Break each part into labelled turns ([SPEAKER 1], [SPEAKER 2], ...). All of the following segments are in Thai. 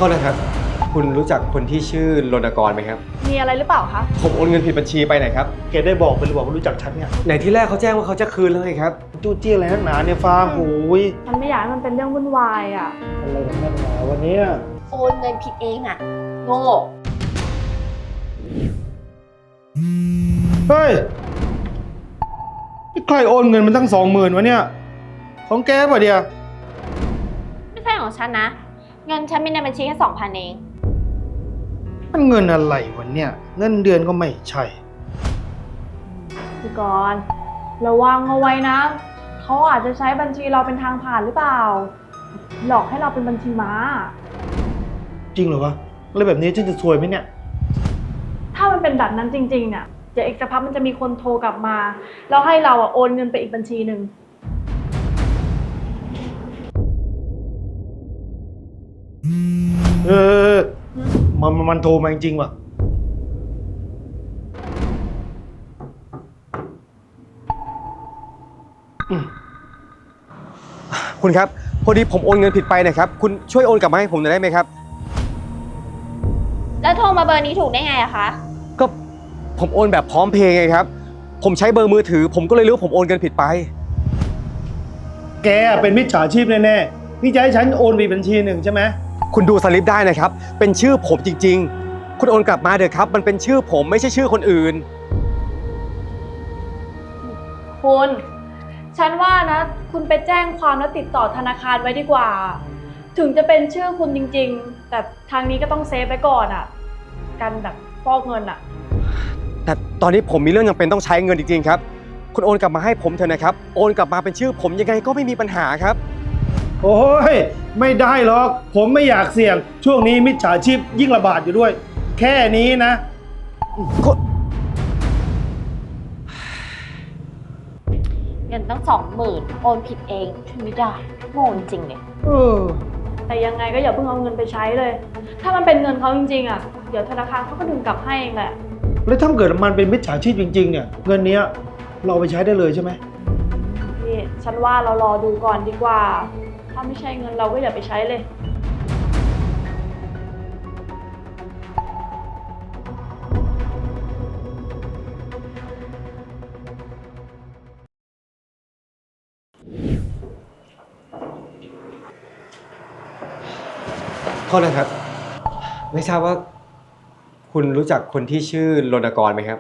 [SPEAKER 1] ษนะครับคุณรู้จักคนที่ชื่อรณกรไหมครับ
[SPEAKER 2] มีอะไรหรือเปล่าคะ
[SPEAKER 1] ผมโอนเงินผิดบัญชีไปไหนครับ
[SPEAKER 3] แกได้บอกไปหรือเปล่าว่ารู้จักฉันเนี่ย
[SPEAKER 1] ไหนที่แรกเขาแจ้งว่าเขาจะคืนแล้วไงครับ
[SPEAKER 3] จู้จี้อะไรนักหนาเนี่ยฟางโอ้ย
[SPEAKER 2] มันไม่อยากให้มันเป็นเรื่องวุ่นวายอ่ะ
[SPEAKER 3] อะไรกันนักหนาวันนี้
[SPEAKER 4] โอนเงินผิดเองอ่ะโง่
[SPEAKER 3] เฮ้ยใครโอนเงินมันตั้ง20,000วะเนี่ยของแกป่ะเดีย
[SPEAKER 4] ไม่ใช่ของฉันนะเงินฉันมีในบัญชีแค่2,000เอง
[SPEAKER 3] มันเงินอะไรวะเนี่ยเงินเดือนก็ไม่ใช่
[SPEAKER 2] พี่กรณ์ระวังเอาไว้นะเขาอาจจะใช้บัญชีเราเป็นทางผ่านหรือเปล่าหลอกให้เราเป็นบัญชีม้า
[SPEAKER 3] จริงเหรอวะแล้วแบบนี้ฉันจะซวยไหมเนี่ย
[SPEAKER 2] ถ้ามันเป็นแบบนั้นจริงๆเนี่ยเดี๋ยวอีกสักพักมันจะมีคนโทรกลับมาแล้วให้เราโอนเงินไปอีกบัญชีหนึ่ง
[SPEAKER 3] มันโทรมาจริงๆว่ะ
[SPEAKER 1] คุณครับพอดีผมโอนเงินผิดไปนะครับคุณช่วยโอนกลับมาให้ผมหน่อยได้ไหมครับ
[SPEAKER 4] แล้วโทรมาเบอร์นี้ถูกได้ไงอะคะ
[SPEAKER 1] ก็ผมโอนแบบพร้อมเพย์ไงครับผมใช้เบอร์มือถือผมก็เลยรู้ว่าผมโอนเงินผิดไป
[SPEAKER 3] แกเป็นมิจฉาชีพแน่ๆพี่จะให้ฉันโอนไปบัญชีหนึ่งใช่ไหม
[SPEAKER 1] คุณดูสลิปได้นะครับเป็นชื่อผมจริงๆคุณโอนกลับมาเถอะครับมันเป็นชื่อผมไม่ใช่ชื่อคนอื่น
[SPEAKER 2] คุณฉันว่านะคุณไปแจ้งความแล้วติดต่อธนาคารไว้ดีกว่าถึงจะเป็นชื่อคุณจริงๆแต่ทางนี้ก็ต้องเซฟไว้ก่อนอ่ะกันแบบฟอกเงินอ่ะ
[SPEAKER 1] แต่ตอนนี้ผมมีเรื่องจำเป็นต้องใช้เงินจริงๆครับคุณโอนกลับมาให้ผมเถอะนะครับโอนกลับมาเป็นชื่อผมยังไงก็ไม่มีปัญหาครับ
[SPEAKER 3] โอ้ยไม่ได้หรอกผมไม่อยากเสี่ยงช่วงนี้มิจฉาชีพยิ่งระบาดอยู่ด้วยแค่นี้นะ
[SPEAKER 4] เงินตั้ง20,000โอนผิดเองช่วยไม่ได้โง่จริงๆเลย
[SPEAKER 2] แต่ยังไงก็อย่าเพิ่งเอาเงินไปใช้เลยถ้ามันเป็นเงินเขาจริงๆอ่ะเดี๋ยวธนาคารเขาก็ดึงกลับให้เองแหละ
[SPEAKER 3] แล้วถ้าเกิดมันเป็นมิจฉาชีพจริงๆเนี่ยเงินนี้เราไปใช้ได้เลยใช่ไหม
[SPEAKER 2] นี่ฉันว่าเรารอดูก่อนดีกว่าถ้าไม่ใช่เงินเราก็อย่าไปใช้เลย
[SPEAKER 1] โทษนะครับไม่ทราบว่าคุณรู้จักคนที่ชื่อรณกรไหมครับ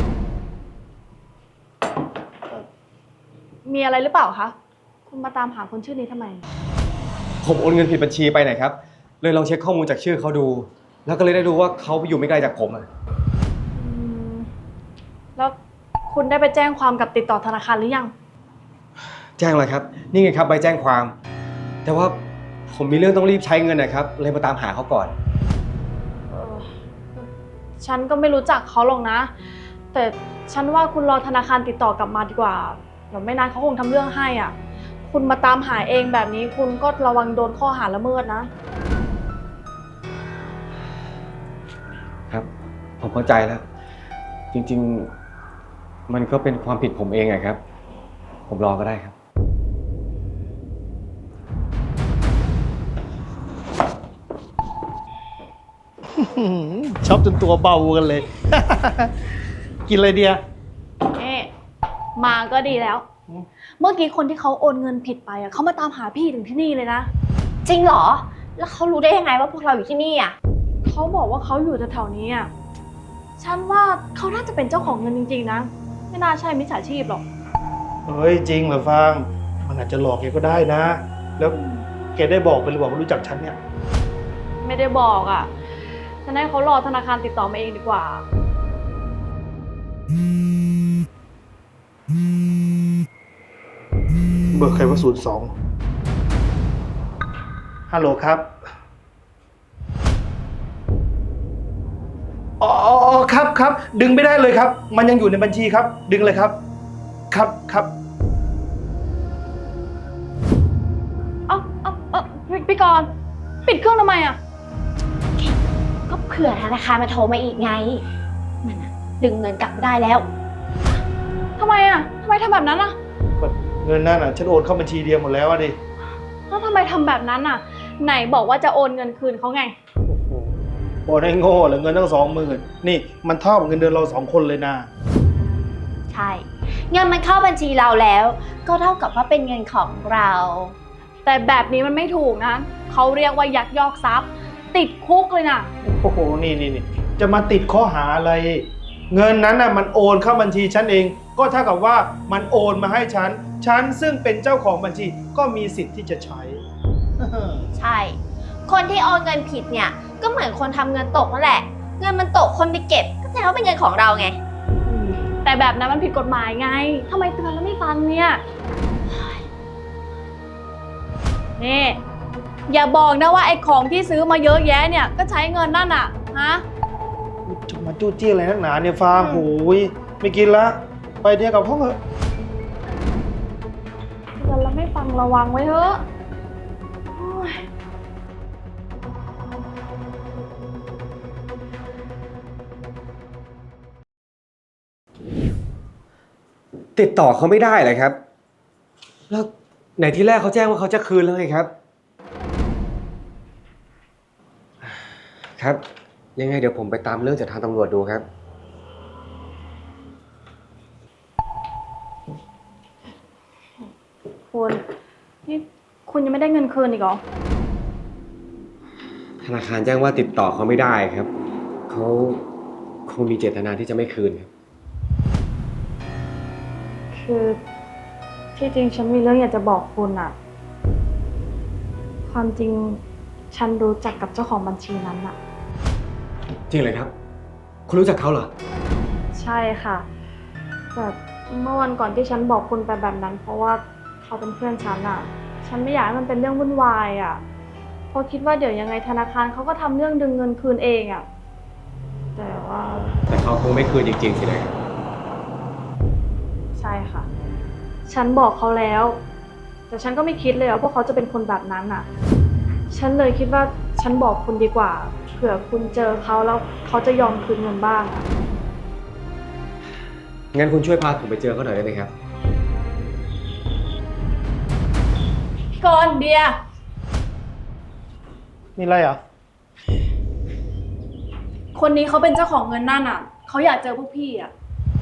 [SPEAKER 2] มีอะไรหรือเปล่าคะคุณมาตามหาคนชื่อนี้ทำไม
[SPEAKER 1] ผมโอนเงินผิดบัญชีไปไหนครับเลยลองเช็คข้อมูลจากชื่อเขาดูแล้วก็เลยได้รู้ว่าเขาอยู่ไม่ไกลจากผมอ่ะ
[SPEAKER 2] แล้วคุณได้ไปแจ้งความกับติดต่อธนาคารหรือยัง
[SPEAKER 1] แจ้งเลยครับนี่ไงครับใบแจ้งความแต่ว่าผมมีเรื่องต้องรีบใช้เงินนะครับเลยมาตามหาเขาก่อน
[SPEAKER 2] ฉันก็ไม่รู้จักเขาหรอกนะแต่ฉันว่าคุณรอธนาคารติดต่อกลับมาดีกว่าเดี๋ยวไม่นานเขาคงทำเรื่องให้อ่ะคุณมาตามหาเองแบบนี้คุณก็ระวังโดนข้อหาละเมิดนะครับ
[SPEAKER 1] ผมเข้าใจแล้วจริงๆมันก็เป็นความผิดผมเองอะครับผมรอก็ได้ครับ
[SPEAKER 3] ชอบจนตัวเบากันเลย กินอะไรเดีย
[SPEAKER 2] มาก็ดีแล้วเมื่อกี้คนที่เขาโอนเงินผิดไปเขามาตามหาพี่ถึงที่นี่เลยนะ
[SPEAKER 4] จริงเหรอแล้วเขารู้ได้ยังไงว่าพวกเราอยู่ที่นี่อ่ะ
[SPEAKER 2] เขาบอกว่าเขาอยู่แถวๆนี้อ่ะฉันว่าเขาน่าจะเป็นเจ้าของเงินจริงๆนะไม่น่าใช่มิจฉาชีพหรอก
[SPEAKER 3] เฮ้ยจริงเหรอฟางมันอาจจะหลอกแกก็ได้นะแล้วแกได้บอกไปหรือเปล่าว่ารู้จักฉันเนี่ย
[SPEAKER 2] ไม่ได้บอกอ่ะฉันให้เขารอธนาคารติดต่อมาเองดีกว่า
[SPEAKER 3] เบอร์ใครว่า02ฮัลโหลครับอ๋อครับดึงไม่ได้เลยครับมันยังอยู่ในบัญชีครับดึงเลยครับครับ
[SPEAKER 2] พี่กรณ์ปิดเครื่องทำไมอ่ะ
[SPEAKER 4] ก็เผื่อธนาคารมาโทรมาอีกไงมันดึงเงินกลับไม่ได้แล้ว
[SPEAKER 2] ทำไมทำแบบนั้นอ่ะ
[SPEAKER 3] เงินนั่นฉันโอนเข้าบัญชีเดียวหมดแล้วดิ
[SPEAKER 2] แล้วทำไมทำแบบนั้นไหนบอกว่าจะโอนเงินคืนเขาไง
[SPEAKER 3] โอนให้โง่เหลือเงินตั้ง20,000นี่มันเท่ากับเงินเดือนเรา2 คนเลยนะ
[SPEAKER 4] ใช่ เงินมันเข้าบัญชีเราแล้ว ก็เท่ากับว่าเป็นเงินของเรา
[SPEAKER 2] แต่แบบนี้มันไม่ถูกนะเขาเรียกว่ายักยอกทรัพย์ ติดคุกเลยนะ
[SPEAKER 3] โอ้โหนี่จะมาติดข้อหาอะไร เงินนั้นน่ะมันโอนเข้าบัญชีฉันเอง ก็เท่ากับว่ามันโอนมาให้ฉันซึ่งเป็นเจ้าของบัญชีก็มีสิทธิ์ที่จะใช้
[SPEAKER 4] ใช่ คนที่โอนเงินผิดเนี่ย ก็เหมือนคนทำเงินตกนั่นแหละ เงินมันตกคนไปเก็บ ก็แสดงว่าเป็นเงินของเราไง
[SPEAKER 2] แต่แบบนั้นมันผิดกฎหมายไงทำไมเตือนแล้วไม่ฟังเนี่ยนี่อย่าบอกนะว่าไอ้ของที่ซื้อมาเยอะแยะเนี่ยก็ใช้เงินนั่นอะฮะ
[SPEAKER 3] จะมาจู้จี้อะไรนักหนาเนี่ยฟางโอ้ยไม่กินละไปเดียวกับห้องเถอะ
[SPEAKER 2] เตือนแล้วไม่ฟังระวังไว้เถอะโอ้ย
[SPEAKER 1] ติดต่อเขาไม่ได้เลยครับ แล้วไหนที่แรกเขาแจ้งว่าเขาจะคืนแล้วไงครับ ครับ ยังไงเดี๋ยวผมไปตามเรื่องจากทางตำรวจดูครับ
[SPEAKER 2] คุณนี่คุณยังไม่ได้เงินคืนอีกเหรอ
[SPEAKER 1] ธนาคารแจ้งว่าติดต่อเขาไม่ได้ครับ เขาคงมีเจตนาที่จะไม่คืนครับ
[SPEAKER 2] คือที่จริงฉันมีเรื่องอยากจะบอกคุณอะความจริงฉันรู้จักกับเจ้าของบัญชีนั้นอะ
[SPEAKER 1] จริงเลยครับ คุณรู้จักเขาเหรอ
[SPEAKER 2] ใช่ค่ะแต่เมื่อวันก่อนที่ฉันบอกคุณไปแบบนั้น เพราะว่าเขาเป็นเพื่อนฉันอะฉันไม่อยากให้มันเป็นเรื่องวุ่นวายอะเพราะคิดว่าเดี๋ยวยังไงธนาคารเขาก็ทำเรื่องดึงเงินคืนเองอะแต่ว่า
[SPEAKER 1] แต่เขาคงไม่คืนจริงๆสินะครับ
[SPEAKER 2] ใช่ค่ะ ฉันบอกเขาแล้ว แต่ฉันก็ไม่คิดเลยว่าพวกเขาจะเป็นคนแบบนั้นอะฉันเลยคิดว่าฉันบอกคุณดีกว่าเผื่อคุณเจอเขาแล้วเขาจะยอมคืนเงินบ้างอะ
[SPEAKER 1] งั้นคุณช่วยพาผมไปเจอเขาหน่อยได้ไหมครับ
[SPEAKER 2] พี่กรณ์เดีย
[SPEAKER 3] มีอะไรอ่ะ
[SPEAKER 2] คนนี้เขาเป็นเจ้าของเงินนั่นอะเขาอยากเจอพวกพี่อะ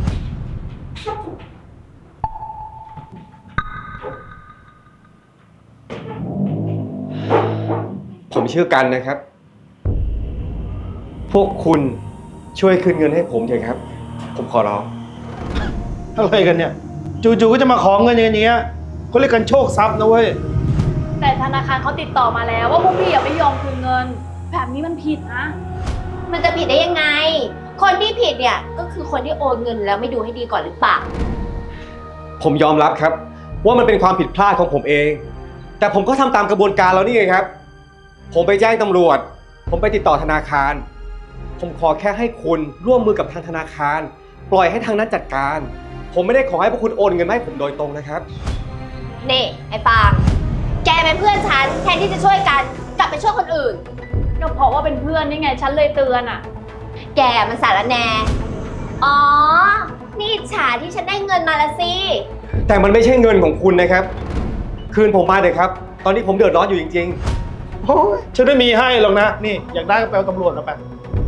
[SPEAKER 1] ผมชื่อกันนะครับ พวกคุณช่วยคืนเงินให้ผมเถอะครับ ผมขอร้อง
[SPEAKER 3] อะไรกันเนี่ย จู่ๆก็จะมาขอเงินอย่างเงี้ยเขาเรียกกันโชคทรัพย์นะเว้ย
[SPEAKER 2] แต่ธนาคารเขาติดต่อมาแล้วว่าพวกพี่อย่าไม่ยอมคืนเงิน แบบนี้มันผิดนะ
[SPEAKER 4] มันจะผิดได้ยังไง คนที่ผิดเนี่ยก็คือคนที่โอนเงินแล้วไม่ดูให้ดีก่อนหรือเปล่า
[SPEAKER 1] ผมยอมรับครับ ว่ามันเป็นความผิดพลาดของผมเอง แต่ผมก็ทำตามกระบวนการแล้วนี่ไงครับ ผมไปแจ้งตำรวจ ผมไปติดต่อธนาคาร ผมขอแค่ให้คุณร่วมมือกับทางธนาคาร ปล่อยให้ทางนั้นจัดการ ผมไม่ได้ขอให้พวกคุณโอนเงินมาให้ผมโดยตรงนะครับ
[SPEAKER 4] นี่ไอ้ฟางแกเป็นเพื่อนฉันแทนที่จะช่วยกันกลับไปช่วยคนอื่น
[SPEAKER 2] ก็เพราะว่าเป็นเพื่อนนี่ไงฉันเลยเตือนอะ
[SPEAKER 4] แกมันสารแหนอ๋อ นี่อิจฉาที่ฉันได้เงินมาละสิ
[SPEAKER 1] แต่มันไม่ใช่เงินของคุณนะครับ คืนผมมาเถอะครับ ตอนนี้ผมเดือดร้อนอยู่จริง
[SPEAKER 3] โอ้ยฉันไม่มีให้หรอกนะ นี่อยากได้ก็ไปเอาตำรวจมาไป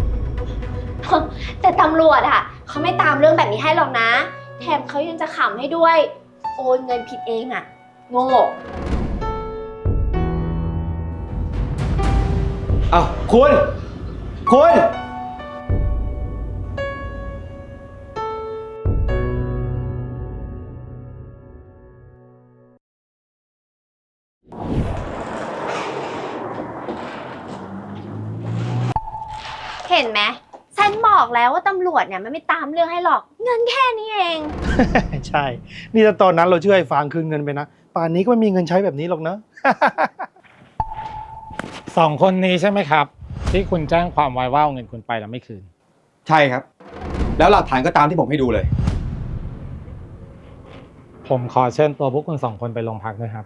[SPEAKER 4] แต่ตำรวจอะเขาไม่ตามเรื่องแบบนี้ให้หรอกนะ แถมเขายังจะขำให้ด้วย โอนเงินผิดเองอะโง่
[SPEAKER 1] ๆ อ้าวคุณ คุณ
[SPEAKER 4] เห็นไหมฉันบอกแล้วว่าตำรวจเนี่ยมันไม่ตามเรื่องให้หรอก เงินแค่นี้เอง
[SPEAKER 3] ใช่ นี่ถ้าตอนนั้นเราช่วยไอ้ฟางคืนเงินไปนะ ป่านนี้ก็ไม่มีเงินใช้แบบนี้หรอกนะ
[SPEAKER 5] 2 คนนี้ใช่ไหมครับ ที่คุณแจ้งความไว้ว่าเอาเงินคุณไปแล้วไม่คืน
[SPEAKER 1] ใช่ครับ แล้วหลักฐานก็ตามที่ผมให้ดูเลย
[SPEAKER 5] ผมขอเชิญตัวพวกคุณ 2 คนไปโรงพักด้วยครับ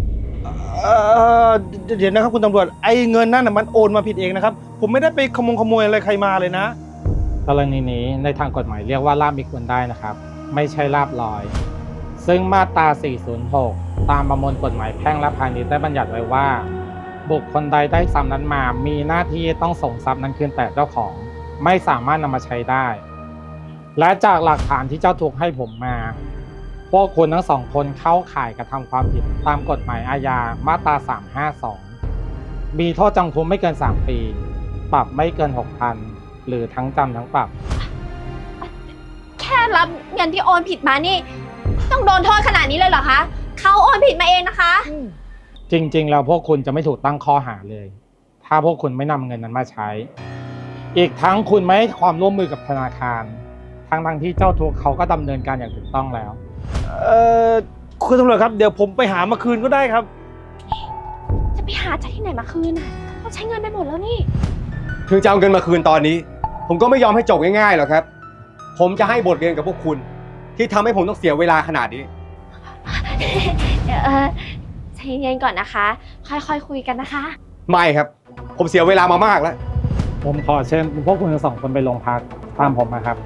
[SPEAKER 3] เดี๋ยวนะครับคุณตำรวจ ไอ้เงินนั่นน่ะมันโอนมาผิดเองนะครับ ผมไม่ได้ไปขโมยอะไรใครมาเลยนะ
[SPEAKER 5] กรณีนี้ในทางกฎหมายเรียกว่าลาบมิควรได้นะครับ ไม่ใช่ลาบลอย ซึ่งมาตรา 406 ตามประมวลกฎหมายแพ่งและพาณิชย์ได้บัญญัติไว้ว่าบุคคลใดได้ทรัพย์นั้นมา มีหน้าที่ต้องส่งทรัพย์นั้นคืนแต่เจ้าของ ไม่สามารถนำมาใช้ได้ และจากหลักฐานที่เจ้าทุกข์ให้ผมมา พวกคุณทั้งสองคนเข้าข่ายกระทำความผิดตามกฎหมายอาญามาตรา 352 มีโทษจำคุกไม่เกิน 3 ปี ปรับไม่เกิน 6,000 หรือทั้งจำทั้งปรับ
[SPEAKER 4] แค่รับเงินที่โอนผิดมานี่ ต้องโดนโทษขนาดนี้เลยเหรอคะเขาโอนผิดมาเองนะคะ
[SPEAKER 5] จริงๆแล้วพวกคุณจะไม่ถูกตั้งข้อหาเลย ถ้าพวกคุณไม่นำเงินนั้นมาใช้ อีกทั้งคุณไม่ให้ความร่วมมือกับธนาคาร ทั้งที่เจ้าทุกข์เขาก็ดำเนินการอย่างถูกต้องแล้ว
[SPEAKER 3] คุณตำรวจครับเดี๋ยวผมไปหามาคืนก็ได้ครับ
[SPEAKER 4] จะไปหาจากที่ไหนมาคืนน่ะเขาใช้เงินไปหมดแล้วนี่
[SPEAKER 1] ถึงจะเอาเงินมาคืนตอนนี้ ผมก็ไม่ยอมให้จบง่ายๆหรอกครับ ผมจะให้บทเรียนกับพวกคุณ ที่ทำให้ผมต้องเสียเวลาขนาดนี้
[SPEAKER 4] เดี๋ยวใจเย็นๆก่อนนะคะ ค่อยๆคุยกันนะคะ
[SPEAKER 1] ไม่ครับ ผมเสียเวลามามากแล้ว
[SPEAKER 5] ผมขอเชิญพวกคุณทั้งสองคนไปโรงพักตามผมมาครับ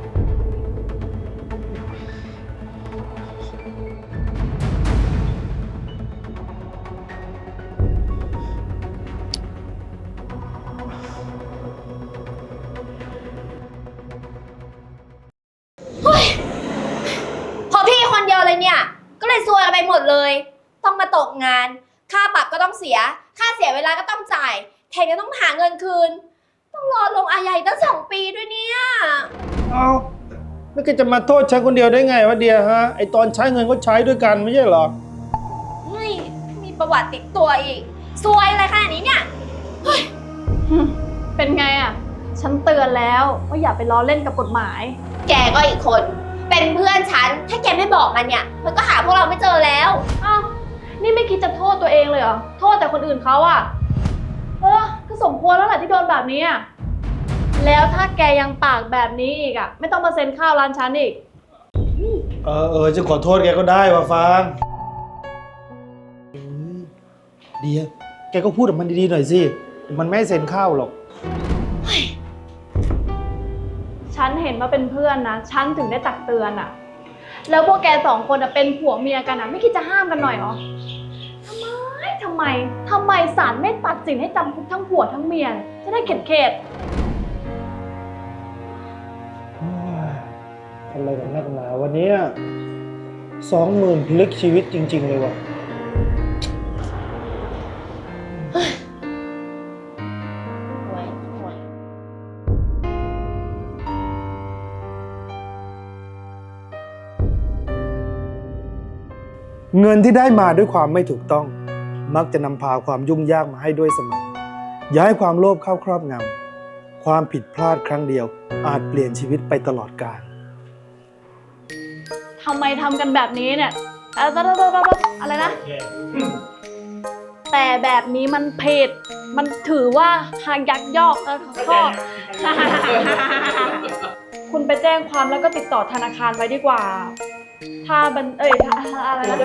[SPEAKER 4] พอพี่คนเดียวเลยเนี่ย ก็เลยซวยกันไปหมดเลย ต้องมาตกงาน ค่าปรับก็ต้องเสีย ค่าเสียเวลาก็ต้องจ่ายแถมยังต้องหาเงินคืน ต้องรอลงอาญาอีกตั้ง2 ปีด้วยเนี่ย
[SPEAKER 3] เอาแล้วแกจะมาโทษฉันคนเดียวได้ไงวะเดียฮะ ไอตอนใช้เงินก็ใช้ด้วยกันไม่ใช่เหรอ
[SPEAKER 4] เฮ้ย มีประวัติติดตัวอีก ซวยอะไรขนาดนี้เนี่ย
[SPEAKER 2] เป็นไงอ่ะ ฉันเตือนแล้วว่าอย่าไปล้อเล่นกับกฎหมาย
[SPEAKER 4] แกก็อีกคน เป็นเพื่อนฉัน ถ้าแกไม่บอกมันเนี่ย มันก็หาพวกเราไม่เจอแล้ว
[SPEAKER 2] อ้าว นี่ไม่คิดจะโทษตัวเองเลยเหรอ โทษแต่คนอื่นเขาอ่ะ ก็สมควรแล้วแหละที่โดนแบบนี้อ่ะ แล้วถ้าแกยังปากแบบนี้อีกอ่ะ ไม่ต้องมาเซ็นข้าวร้านฉันอีก
[SPEAKER 3] จะขอโทษแกก็ได้ว่ะฟางเดียแกก็พูดกับมันดีๆหน่อยสิ มันไม่ให้เซ็นข้าวหรอก
[SPEAKER 2] ฉันเห็นว่าเป็นเพื่อนนะ ฉันถึงได้ตักเตือนอ่ะ แล้วพวกแก2 คนอ่ะเป็นผัวเมียกันอ่ะ ไม่คิดจะห้ามกันหน่อยเหรอ ทำไมศาลไม่ตัดสินให้จำคุกทั้งผัวทั้งเมีย จะได้เข็ด
[SPEAKER 3] อะไรกันนักหนาวันนี้20,000พลิกชีวิตจริง ๆ เลยว่ะ เงินที่ได้มาด้วยความไม่ถูกต้อง มักจะนำพาความยุ่งยากมาให้ด้วยเสมอ อย่าให้ความโลภเข้าครอบงำความผิดพลาดครั้งเดียวอาจเปลี่ยนชีวิตไปตลอดกาล
[SPEAKER 2] ทำไมทำกันแบบนี้เนี่ยอะไรนะ แต่แบบนี้มันผิด มันถือว่าหากยักยอกข้อ คุณไปแจ้งความแล้วก็ติดต่อธนาคารไว้ดีกว่า ถ้าอะไรนะ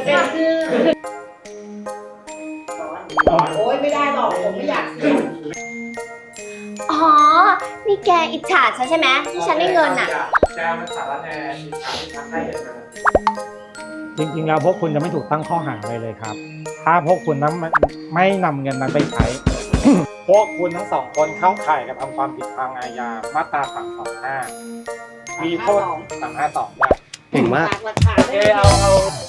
[SPEAKER 6] โอ๊ยไม่ได้หรอก ผมไม่อยากเสี่ยง
[SPEAKER 4] อ๋อ นี่แกอิจฉาฉันใช่ไหมที่ฉันได้เงินอ่ะ
[SPEAKER 5] แกมันสารแหน่ที่ทำให้เห็นมาจริงๆแล้วพวกคุณจะไม่ถูกตั้งข้อหาเลยครับ ถ้าพวกคุณนั้นไม่นำเงินนั้นไปใช้ พวกคุณทั้งสองคนเข้าข่ายกระทำความผิดทางอาญามาตรา 325 มีโทษ 352 ด้วย
[SPEAKER 1] เก่งมาก
[SPEAKER 6] หลักฐานไม่มี